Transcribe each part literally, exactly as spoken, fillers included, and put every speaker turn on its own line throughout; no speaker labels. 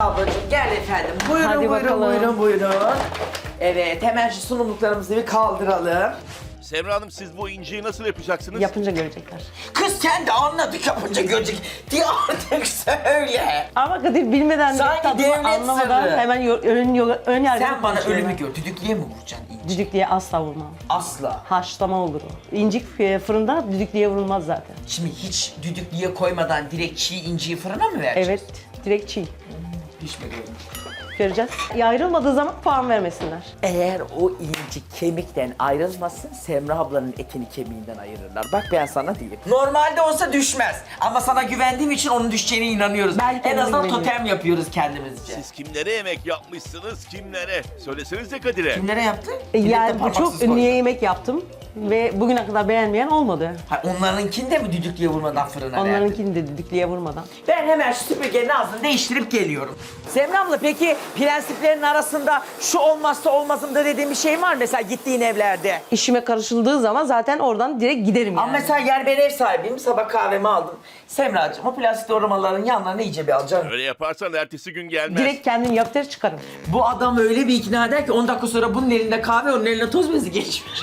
ablacığım gel efendim. Buyurun
Hadi
buyurun
bakalım.
buyurun buyurun. Evet hemen şu sunumluklarımızı bir kaldıralım.
Semra Hanım siz bu inciyi nasıl yapacaksınız?
Yapınca görecekler.
Kız sen de anladık yapınca görecek diye artık söyle.
Ama Kadir bilmeden de
Sanki
tadını
devlet
anlamadan
sırrı.
hemen yo- ön, yo- ön yargılı
Sen bana
konuşuyorlar.
ölümü gör. Düdüklüye mi vuracaksın inci?
Düdüklüye asla vurmam.
Asla.
Haşlama olur o. İncik e, fırında düdüklüye vurulmaz zaten.
Şimdi hiç düdüklüye koymadan direkt çiğ inciyi fırına mı vereceksin?
Evet, direkt çiğ.
Hiç mi görmedim?
Göreceğiz. Ayrılmadığı zaman puan vermesinler.
Eğer o inci kemikten ayrılmasın, Semra ablanın etini kemiğinden ayırırlar. Bak ben sana diyeyim. Normalde olsa düşmez. Ama sana güvendiğim için onun düşeceğine inanıyoruz.
Ben
en
kendime
azından
güveniyorum.
totem yapıyoruz kendimizce.
Siz kimlere yemek yapmışsınız, kimlere? Söylesenize Kadir'e.
Kimlere yaptın?
E,
Millete
Yani bu
parmaksız
çok
koydun.
ünlü yemek yaptım. Ve bugüne kadar beğenmeyen olmadı.
Ha, onlarınkini de mi düdüklüye vurmadan fırına verdin?
Onlarınkini de düdüklüye vurmadan.
Ben hemen şu süpürgenin ağzını değiştirip geliyorum. Semra abla peki prensiplerin arasında şu olmazsa olmazımda dediğin bir şey var mı? Mesela gittiğin evlerde.
İşime karışıldığı zaman zaten oradan direkt giderim
Ama
yani.
mesela yer ben ev sahibiyim, sabah kahvemi aldım. Semracığım o plastik doğramaların yanlarına iyice bir alacaksın.
Öyle yaparsan ertesi gün gelmez.
Direkt kendim yaptır çıkarım.
Bu adam öyle bir ikna eder ki on dakika sonra bunun elinde kahve, onun eline toz bezi geçmiş.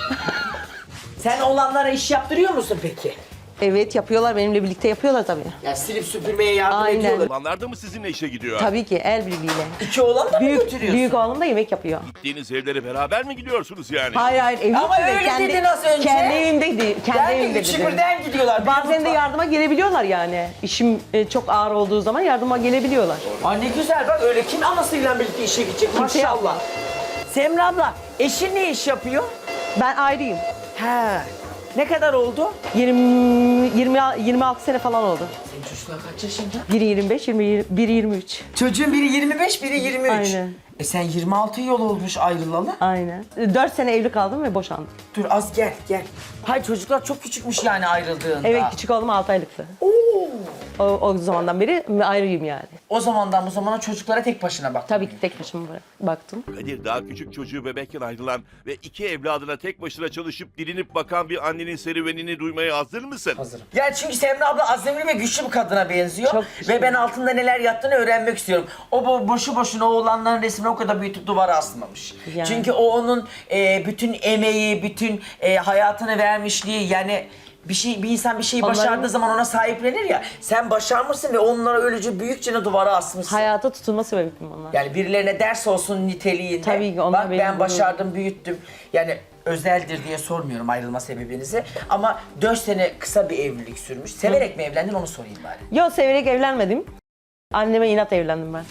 Sen oğlanlara iş yaptırıyor musun peki?
Evet yapıyorlar, benimle birlikte yapıyorlar tabii.
Ya silip süpürmeye yardım
Aynen.
ediyorlar.
Olanlar da mı sizinle işe gidiyor?
Tabii ki el birliğiyle.
İki oğlan da mı
Büyük,
götürüyorsun?
büyük oğlum da yemek yapıyor.
Gittiğiniz evlere beraber mi gidiyorsunuz yani?
Hayır hayır evim
Ama
ve
öyle
kendi,
dedin az önce.
Kendi evimdeydi. Kendi
Belki
evimde
üçü
dedim.
birden gidiyorlar.
Bazen de
Bir
yardıma gelebiliyorlar yani. İşim e, çok ağır olduğu zaman yardıma gelebiliyorlar.
Ay ne güzel bak öyle kim anasıyla birlikte işe gidecek
Kimse
maşallah.
yapmaz.
Semra abla eşin ne iş yapıyor?
Ben ayrıyım.
He. Ne kadar oldu?
yirmi, yirmi, yirmi altı sene falan oldu.
Senin çocuklar kaç yaşında?
Biri yirmi beş, yirmi, biri yirmi üç.
Çocuğun biri yirmi beş, biri yirmi üç.
Aynen.
E sen yirmi altı yıl olmuş ayrılalı.
Aynen. dört sene evli kaldım ve boşandım.
Dur az gel gel. Hayır çocuklar çok küçükmüş yani ayrıldığında.
Evet küçük oğlum altı aylıktı.
Oo.
O, o zamandan beri ayrıyım yani.
O zamandan bu zamana çocuklara tek başına bak.
Tabii ki tek başıma baktım.
Kadir daha küçük çocuğu bebekken ayrılan ve iki evladına tek başına çalışıp dilinip bakan bir annenin serüvenini duymaya hazır mısın?
Hazırım. Yani çünkü Semra abla azimli ve güçlü bir kadına benziyor.
Çok güçlü.
Ve ben altında neler yattığını öğrenmek istiyorum. O bo- boşu boşuna oğlanların resmini o kadar büyütüp duvara asmamış.
Yani.
Çünkü o onun e, bütün emeği, bütün e, hayatını vermişliği yani bir şey bir insan bir şeyi
Onların-
başardığı zaman ona sahiplenir ya. Sen başarmışsın ve onlara öylece büyükçe duvara asmışsın.
Hayata tutunma sebebim onlar.
Yani birilerine ders olsun niteliğinde.
Tabii ki, onlar
Bak
benim
ben
gururum.
başardım, büyüttüm. Yani özeldir diye sormuyorum ayrılma sebebinizi. Ama dört sene kısa bir evlilik sürmüş. Severek mi evlendin onu sorayım bari.
Yo severek evlenmedim. Anneme inat evlendim ben.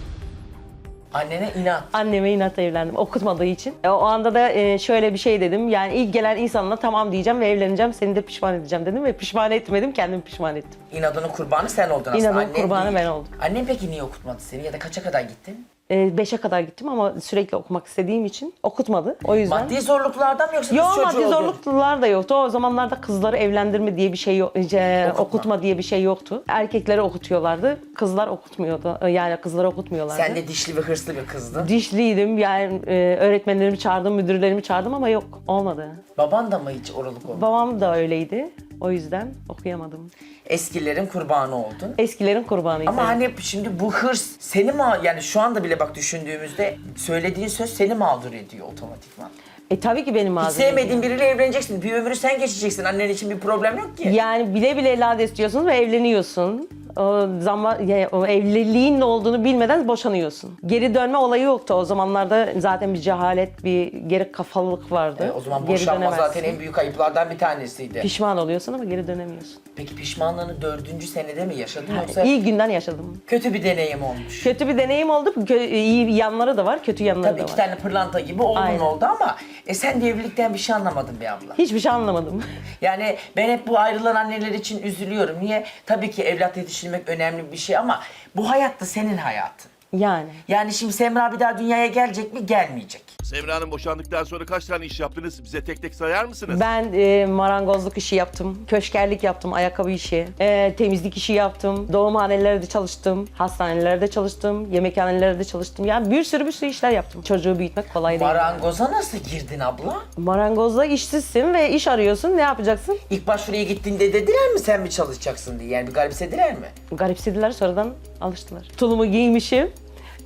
Annene inat.
Anneme inat evlendim okutmadığı için. E, o anda da e, şöyle bir şey dedim. Yani ilk gelen insanla tamam diyeceğim ve evleneceğim. Seni de pişman edeceğim dedim ve pişman etmedim. Kendimi pişman ettim.
İnadının kurbanı sen oldun aslında.
İnadın
annen
kurbanı
değil.
ben oldum.
Annen peki niye okutmadı seni ya da kaça kadar gittin?
E, beşe kadar gittim ama sürekli okumak istediğim için okutmadı. O yüzden.
Maddi zorluklardan mı yoksa kız
Yok
çocuğu
maddi
oldun?
zorluklar da yoktu. O zamanlarda kızları evlendirme diye bir şey yok, e,
Okutma.
okutma diye bir şey yoktu. Erkekleri okutuyorlardı, kızlar okutmuyordu. Yani kızları okutmuyorlardı.
Sen de dişli ve hırslı bir kızdın.
Dişliydim yani e, öğretmenlerimi çağırdım, müdürlerimi çağırdım ama yok olmadı.
Baban da mı hiç oralık oldu?
Babam da öyleydi. O yüzden okuyamadım.
Eskilerin kurbanı oldun.
Eskilerin kurbanıydı.
Ama hani şimdi bu hırs seni mi yani şu anda bile bak düşündüğümüzde söylediğin söz seni mağdur ediyor otomatikman.
E tabii ki benim
Hiç
ağzım.
sevmediğin biriyle evleneceksin. Bir ömrü sen geçeceksin. Annen için bir problem yok ki.
Yani bile bile evlat istiyorsun ve evleniyorsun. O zaman yani o evliliğin ne olduğunu bilmeden boşanıyorsun. Geri dönme olayı yoktu o zamanlarda zaten bir cehalet, bir geri kafalılık vardı.
E, o zaman
Geri
boşanma
dönemezsin.
zaten en büyük ayıplardan bir tanesiydi.
Pişman oluyorsun ama geri dönemiyorsun.
Peki pişmanlığını dördüncü senede mi yaşadın yoksa
İlk günden yaşadım.
kötü bir deneyim olmuş?
Kötü bir deneyim oldu. Kö- iyi yanları da var, kötü yanları
Tabii
da
iki
var.
tane pırlanta gibi oğlun
Aynen.
oldu ama e, sen de evlilikten bir şey anlamadın be abla.
Hiçbir şey anlamadım.
Yani ben hep bu ayrılan anneler için üzülüyorum. Niye? Tabii ki evlat yetiştirmek önemli bir şey ama bu hayat da senin hayatın.
Yani.
Yani şimdi Semra bir daha dünyaya gelecek mi? Gelmeyecek.
Semra Hanım boşandıktan sonra kaç tane iş yaptınız? Bize tek tek sayar mısınız?
Ben e, marangozluk işi yaptım, köşkerlik yaptım, ayakkabı işi, e, temizlik işi yaptım, doğumhanelerde çalıştım, hastanelerde çalıştım, yemekhanelerde çalıştım. Yani bir sürü bir sürü işler yaptım. Çocuğu büyütmek kolay değil.
Marangoza nasıl girdin abla?
Marangozda işsizsin ve iş arıyorsun. Ne yapacaksın?
İlk başvuruya gittiğinde dediler mi sen mi çalışacaksın diye? Yani bir garipsediler mi?
Garipsediler sonradan alıştılar. Tulumu giymişim.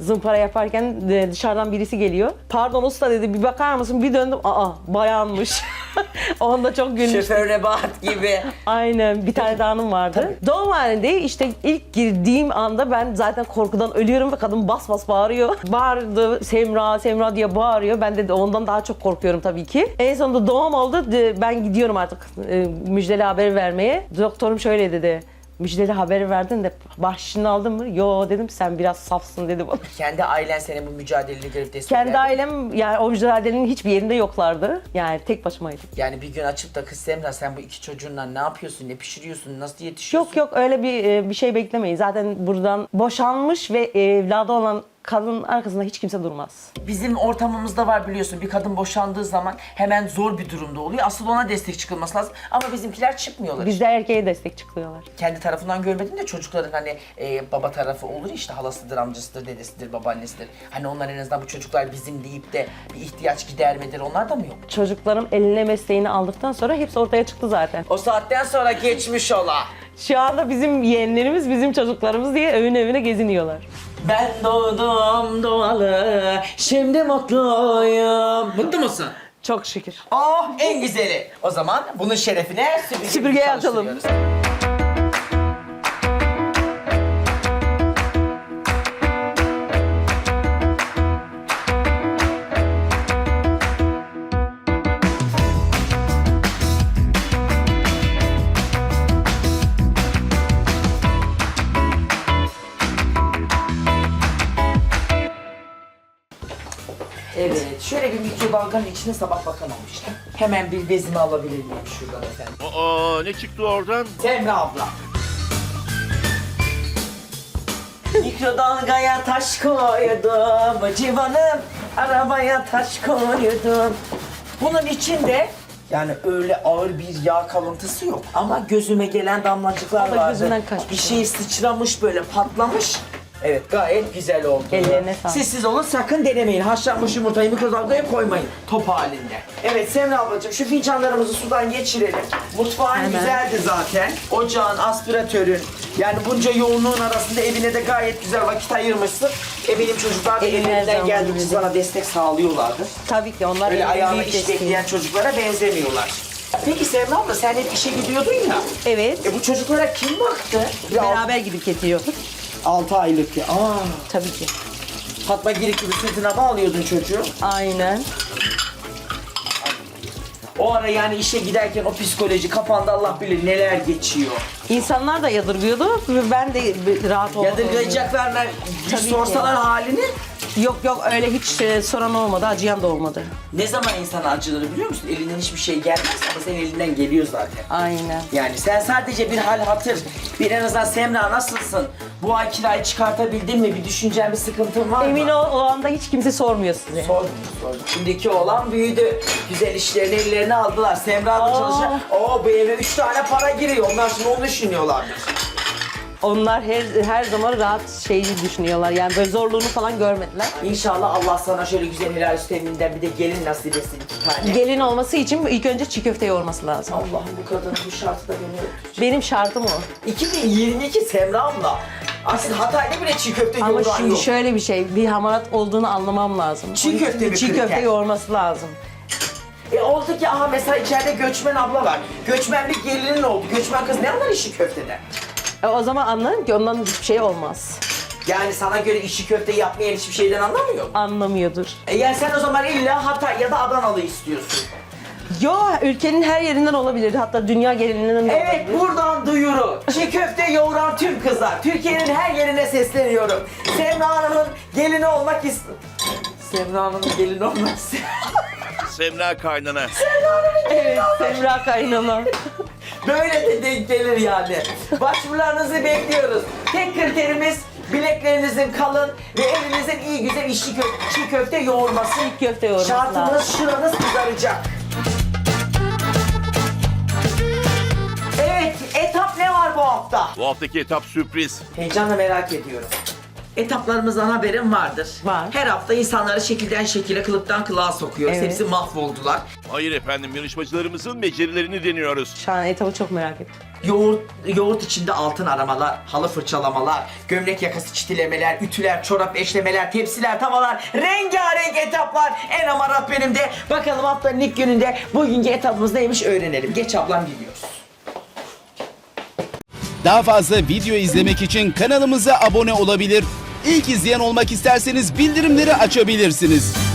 Zımpara yaparken e, dışarıdan birisi geliyor. Pardon usta dedi, bir bakar mısın? Bir döndüm, aa bayanmış. Onda çok gülmüştüm.
Şoför Nebahat gibi.
Aynen, bir tane daha hanım vardı. Doğum halinde işte ilk girdiğim anda ben zaten korkudan ölüyorum ve kadın bas bas bağırıyor. Bağırdı, Semra, Semra diye bağırıyor. Ben de ondan daha çok korkuyorum tabii ki. En sonunda doğum oldu. De- Ben gidiyorum artık e, müjdeli haberi vermeye. Doktorum şöyle dedi. Müjdeli haberi verdin de bahşişini aldın mı? Yo dedim, sen biraz safsın dedi bana.
Kendi ailen seni bu mücadeleni görüp destek
Kendi
verdi.
ailem yani o mücadelenin hiçbir yerinde yoklardı. Yani tek başımaydım.
Yani bir gün açıp da kız Semra sen bu iki çocuğunla ne yapıyorsun, ne pişiriyorsun, nasıl yetişiyorsun?
Yok yok, öyle bir e, bir şey beklemeyin. Zaten buradan boşanmış ve evladı olan kadının arkasında hiç kimse durmaz.
Bizim ortamımızda var biliyorsun, bir kadın boşandığı zaman hemen zor bir durumda oluyor. Asıl ona destek çıkılması lazım ama bizimkiler çıkmıyorlar.
Bizde erkeğe destek çıkıyorlar.
Kendi tarafından görmedim de çocukların hani e, baba tarafı olur ya, işte halasıdır, amcasıdır, dedesidir, babaannesidir. Hani onlar en azından bu çocuklar bizim deyip de bir ihtiyaç gidermedir, onlar da mı yok?
Çocuklarım eline mesleğini aldıktan sonra hepsi ortaya çıktı zaten.
O saatten sonra geçmiş ola.
Şu anda bizim yeğenlerimiz bizim çocuklarımız diye evin evine geziniyorlar.
Ben doğdum doğalı, şimdi mutluyum. Mutlu musun?
Çok şükür.
Oh, en güzeli. O zaman bunun şerefine süpürge
Süpürgeyi açalım.
çalıştırıyoruz. Evet, şöyle bir mikrodalganın içine sabah bakamamıştım. Hemen bir bezimi alabilir miyim şuradan efendim?
Aa, ne çıktı oradan?
Semra abla. Mikrodalgaya taş koydum, civanım, arabaya taş koydum. Bunun içinde yani öyle ağır bir yağ kalıntısı yok. Ama gözüme gelen damlacıklar
O da
vardı.
gözünden kaçmış
Bir şey sıçramış böyle, patlamış. Evet, gayet güzel oldu.
Ellerine sağlık.
Siz siz olun, sakın denemeyin. Haşlanmış yumurtayı mikrodalgaya koymayın. Top halinde. Evet Semra ablacığım, şu fincanlarımızı sudan geçirelim. Mutfağın
Hemen.
güzeldi zaten. Ocağın, aspiratörün. Yani bunca yoğunluğun arasında evine de gayet güzel vakit ayırmışsın. E benim çocuklar da
Eline
ellerinden
zaman
geldiğince
gibi.
sana destek sağlıyorlardı.
Tabii ki onlar
Öyle
evin
ayağına
büyük
iş
desteği.
bekleyen çocuklara benzemiyorlar. Peki Semra abla, sen hep işe gidiyordun ya.
Evet.
E bu çocuklara kim baktı?
Beraber gidip getiriyorduk.
altı aylık ya. Aa,
Tabii ki.
Fatma Girik gibi sırtına bağlıyordun çocuğu.
Aynen.
O ara yani işe giderken o psikoloji kafanda Allah bilir neler geçiyor.
İnsanlar da yadırgıyordu ve ben de rahat oldum.
Yadırgayacaklarına bir
Tabii ki.
sorsalar halini,
Yok yok, öyle hiç e, soran olmadı, acıyan da olmadı.
ne zaman insana acıları biliyor musun? Elinden hiçbir şey gelmez ama senin elinden geliyor zaten.
Aynen.
Yani sen sadece bir hal hatır, bir en azından Semra nasılsın? Bu ay kirayı çıkartabildin mi? Bir düşüncen, bir sıkıntın var mı?
Emin ol, o anda hiç kimse sormuyor size.
Sordum, sordum. Şimdiki oğlan büyüdü. Güzel işlerini ellerine aldılar. Semra da
Aa.
çalışıyor. Oo, bu eve üç tane para giriyor. Onlar şimdi onu düşünüyorlardır.
Onlar her her zaman rahat şeyi düşünüyorlar. Yani böyle zorluğunu falan görmediler.
İnşallah Allah sana şöyle güzel helal süt eminden bir de gelin nasip etsin, iki tane.
Gelin olması için ilk önce çiğ köfte yoğurması lazım.
Allah'ım, bu kadının bu şartı da beni öldürecek.
Benim şartım o.
iki bin yirmi iki Semra abla. Aslında Hatay'da bile çiğ köfte
Ama
yoğuran
şimdi
yok.
şöyle bir şey, bir hamarat olduğunu anlamam lazım.
Çiğ
Onun için
köfte mi
Çiğ
kırıkken?
köfte yoğurması lazım.
E oldu ki aha mesela içeride göçmen abla var. Göçmen bir gelinin oldu. Göçmen kız ne anlar işi köfteden?
E, o zaman anlarım ki ondan hiçbir şey olmaz.
Yani sana göre işi köfte yapmayan hiçbir şeyden anlamıyor mu?
Anlamıyordur.
E yani sen o zaman illa Hatay ya da Adanalı istiyorsun.
Yo, ülkenin her yerinden olabilir. Hatta dünya genelinden de
Evet,
olabilir.
buradan duyuru. Çiğ köfte yoğuran tüm kızlar. Türkiye'nin her yerine sesleniyorum. Semra Hanım'ın gelini olmak istiyorum. Semra Hanım'ın gelini olmak istiyorum.
Semra kaynana.
Evet, Semra kaynana.
Böyle de denk gelir yani. Başvurularınızı bekliyoruz. Tek kriterimiz bileklerinizin kalın ve elinizin iyi güzel içli kö çiğ köfte yoğurması.
Çiğ köfte yoğurması
Şartımız
lazım.
şuranız kızaracak. Evet, etap ne var bu hafta?
Bu haftaki etap sürpriz.
Heyecanla merak ediyorum. Etaplarımızdan haberin vardır.
Var.
Her hafta insanları şekilden şekile, kılıktan kılığa sokuyoruz.
Evet.
Hepsi mahvoldular.
Hayır efendim, yarışmacılarımızın becerilerini deniyoruz.
Şu an etabı çok merak ettim.
Yoğurt, yoğurt içinde altın aramalar, halı fırçalamalar, gömlek yakası çitilemeler, ütüler, çorap eşlemeler, tepsiler, tavalar, rengarenk etaplar. En amarat benim de. Bakalım haftanın ilk gününde bugünkü etapımız neymiş öğrenelim. Geç ablam, gidiyoruz.
Daha fazla video izlemek için kanalımıza abone olabilir. İlk izleyen olmak isterseniz bildirimleri açabilirsiniz.